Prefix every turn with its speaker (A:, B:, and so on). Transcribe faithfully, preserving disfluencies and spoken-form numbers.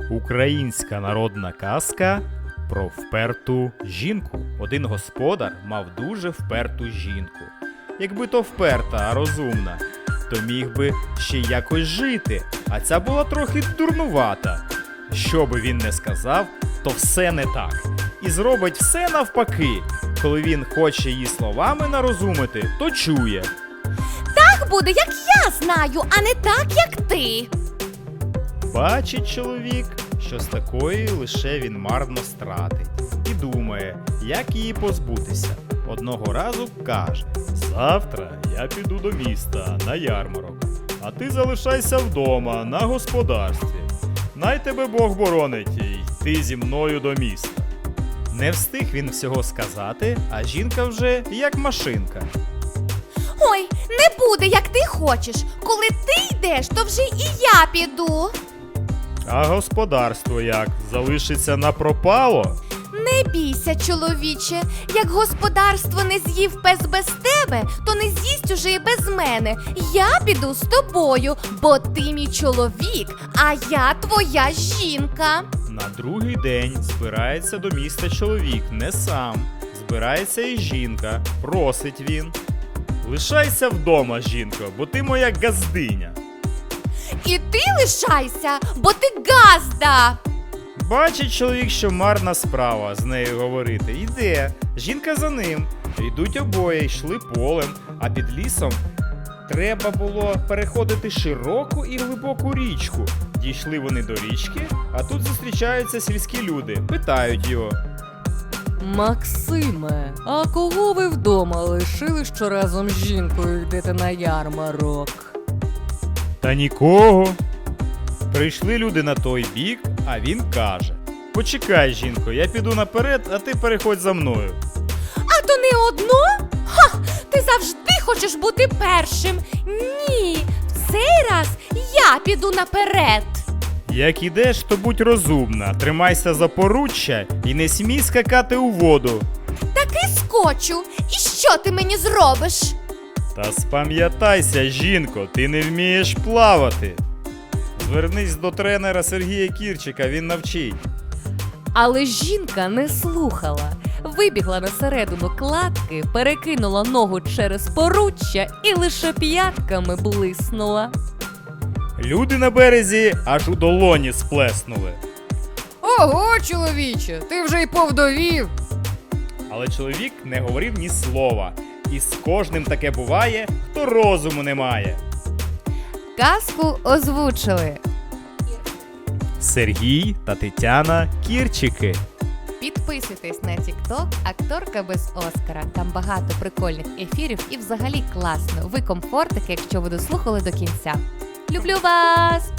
A: Українська народна казка про вперту жінку. Один господар мав дуже вперту жінку. Якби то вперта, а розумна, то міг би ще якось жити, а ця була трохи дурнувата. Що би він не сказав, то все не так. І зробить все навпаки. Коли він хоче її словами нарозумити, то чує.
B: Так буде, як я знаю, а не так, як ти.
A: Бачить чоловік, що з такої лише він марно стратить. І думає, як її позбутися. Одного разу каже: «Завтра я піду до міста на ярмарок, а ти залишайся вдома на господарстві. Най тебе Бог боронить і йти зі мною до міста». Не встиг він всього сказати, а жінка вже як машинка.
B: Ой, не буде, як ти хочеш. Коли ти йдеш, то вже і я піду.
A: А господарство як? Залишиться напропало?
B: Не бійся, чоловіче. Як господарство не з'їв пес без тебе, то не з'їсть уже і без мене. Я піду з тобою, бо ти мій чоловік, а я твоя жінка.
A: На другий день збирається до міста чоловік не сам. Збирається і жінка. Просить він: «Лишайся вдома, жінко, бо ти моя газдиня».
B: І ти лишайся, бо ти газда.
A: Бачить чоловік, що марна справа з нею говорити. Йде. Жінка за ним. Йдуть обоє, йшли полем, а під лісом треба було переходити широку і глибоку річку. Дійшли вони до річки, а тут зустрічаються сільські люди. Питають його:
C: Максиме, а кого ви вдома лишили, що разом з жінкою йдете на ярмарок?
A: «Та нікого». Прийшли люди на той бік, а він каже: «Почекай, жінко, я піду наперед, а ти переходь за мною».
B: А то не одно? Ха! Ти завжди хочеш бути першим. Ні, в цей раз я піду наперед.
A: Як ідеш, то будь розумна, тримайся за поруччя і не смій скакати у воду.
B: Таки скочу. І що ти мені зробиш?
A: Та спам'ятайся, жінко, ти не вмієш плавати. Звернись до тренера Сергія Кірчика, він навчить.
C: Але жінка не слухала. Вибігла на середину кладки, перекинула ногу через поруччя і лише п'ятками блиснула.
A: Люди на березі аж у долоні сплеснули.
C: Ого, чоловіче, ти вже й повдовів.
A: Але чоловік не говорив ні слова. І з кожним таке буває, хто розуму не має.
C: Казку озвучили
A: Сергій та Тетяна Кірчики.
B: Підписуйтесь на TikTok «Акторка без Оскара». Там багато прикольних ефірів і взагалі класно. Ви комфортики, якщо ви дослухали до кінця. Люблю вас!